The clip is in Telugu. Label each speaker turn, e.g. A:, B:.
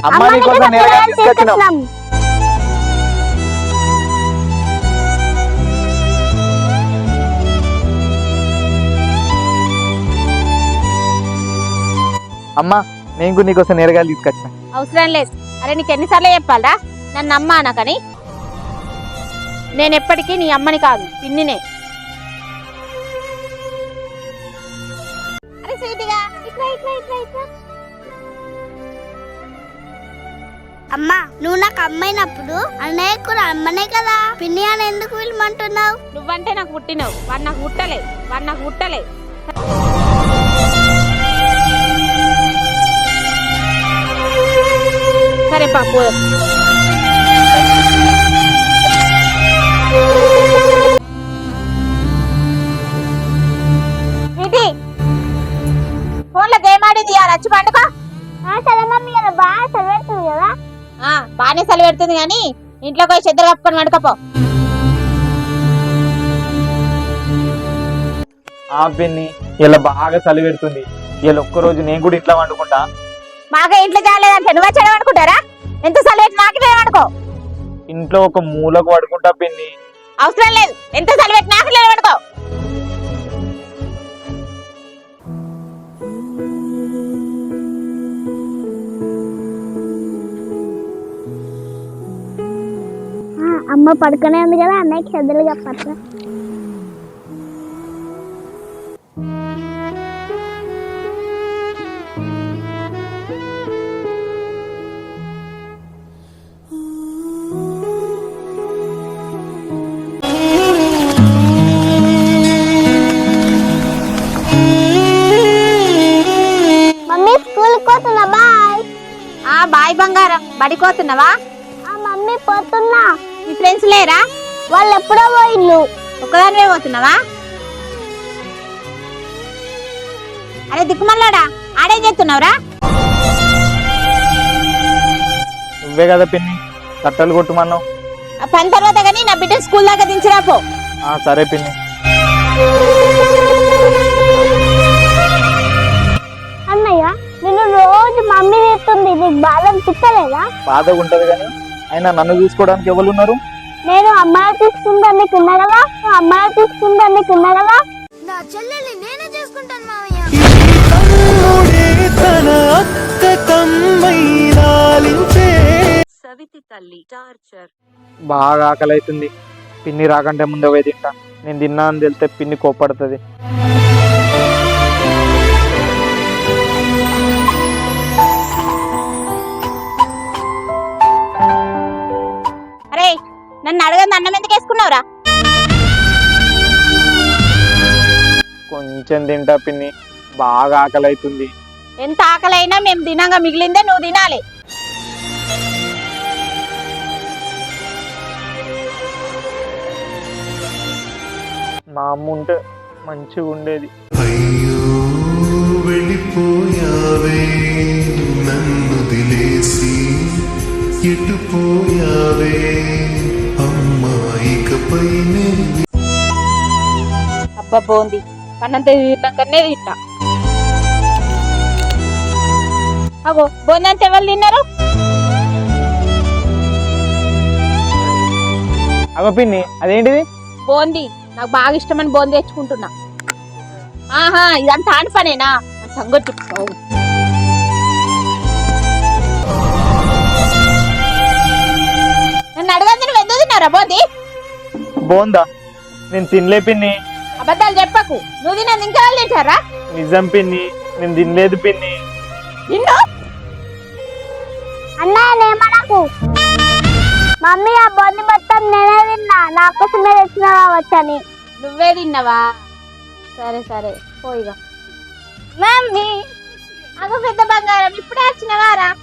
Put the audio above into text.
A: అమ్మ నీకోసం నేరుగా తీసుకొచ్చినాం. అమ్మా నేను నీకోసం నేరుగా తీసుకొచ్చిన.
B: అవసరం లేదు. అరే నీకు ఎన్నిసార్లు చెప్పాలరా నన్ను అమ్మ అనకని? నేను ఎప్పటికీ నీ అమ్మని కాదు, పిన్నినే. అరే స్వీటిగా ఇట్లా ఇట్లా ఇట్లా ఇట్లా.
C: అమ్మా నువ్వు నాకు అమ్మైనప్పుడు అన్నయ్య కూడా అమ్మనే కదా, పిన్ని అని ఎందుకు పిలమంటున్నావు?
B: నువ్వంటే నాకు పుట్టినవు, వాడు నాకు పుట్టలే. సరే పాపు. ఫోన్లో గేమ్ ఆడింది వచ్చి పండుకో.
C: సరే మమ్మీ బాగా చదివేస్తుంది కదా.
B: బాగానే చలి పెడుతుంది కానీ ఇంట్లోకి పోయి చెద్దరు కప్పుకొని వండుకపో.
A: పిన్ని ఇలా బాగా చలి పెడుతుంది, ఇలా ఒక్కరోజు నేను కూడా ఇంట్లో వండుకుంటా.
B: మాగా ఇంట్లో చాలేదంటే నువ్వు చెడ వండుకుంటారా? ఎంత చలి పెట్టి నాకే వండుకో.
A: ఇంట్లో ఒక మూలకు పడుకుంటా పిన్ని.
B: అవసరం లేదు, ఎంత చలి పెట్టి నాకే వండుకో.
C: అమ్మ పడుకునే ఉంది కదా, అన్నయ్యకి చెద్దలు చెప్పట్లా. మమ్మీ స్కూల్ పోతున్నా, బాయ్.
B: బాయ్ బంగారం. బడిపోతున్నావా?
C: మమ్మీ పోతున్నా.
B: మీ ఫ్రెండ్స్ లేరా?
C: వాళ్ళు ఎప్పుడో పోయిల్లు.
B: ఒక్కదానివే పోతున్నావా? అరే దిక్కుమల్లాడా, ఆడేం చేస్తున్నావురా?
A: నువ్వే కదా పిన్ని కట్టలు కొట్టుమన్నావు.
B: పని తర్వాత కానీ నా బిడ్డ స్కూల్ దాకా దించిరా పో.
A: సరే పిన్ని.
C: అన్నయ్య నేను రోజు మమ్మీ చేస్తుంది, నీకు బాధ అనిపించలేదా?
A: బాధగా ఉంటది కానీ అయినా నన్ను చూసుకోవడానికి ఎవరు ఉన్నారు?
C: నేను అమ్మాయి చూసుకుంటాను ఉన్నా కదా, అమ్మాయి చూసుకుంటాను ఉన్నా కదా. నా చెల్లెల్ని నేనే చేసుకుంటాను మామయ్య.
A: బాగా ఆకలి అవుతుంది. పిన్ని రాకంటే ముందే పోయి తింటా. నేను తిన్నా అని తెలితే పిన్ని కోప్పడుతుంది.
B: అరే నన్ను అడగంది అన్నం ఎందుకు వేసుకున్నావురా?
A: కొంచెం తింటా పిన్ని, బాగా ఆకలి అవుతుంది.
B: ఎంత ఆకలి అయినా మేము తినంగా మిగిలిందే నువ్వు తినాలి.
A: మా అమ్మ ఉంటే మంచిగా ఉండేది.
D: అయ్యో వెళ్ళిపోయావే నన్ను దిలేసి, ఎటు పోయావే అమ్మాయికపై.
B: అబ్బా బాగుంది, పన్నంత తిన్నాకనే తింటా. అగో బోంది అంత ఎవరు తిన్నారు?
A: అగో పిన్ని అదేంటిది?
B: బోంది, నాకు బాగా ఇష్టమని బోంది తెచ్చుకుంటున్నా. ఇదంతా ఆని పనేనా? సంగతి చెప్తావు. నన్ను అడగంది నువ్వు ఎందుకు తిన్నారా బోంది?
A: బాగుందా? నేను తినలే పిన్ని.
B: అబద్ధాలు చెప్పకు. నువ్వు తిన్నది ఇంకా వాళ్ళు తింటారా?
A: నిజం పిన్ని, నేను తినలేదు పిన్ని.
B: నిన్ను
C: అన్నయ్యనేమనకు. మమ్మీ ఆ బొంది మొత్తం నేనే తిన్నా, నా కోసమే తెచ్చినా వచ్చని.
B: నువ్వే తిన్నావా? సరే సరే పోయిగా.
C: మమ్మీ
B: అగో పెద్ద బంగారం, ఇప్పుడే వచ్చినవారా?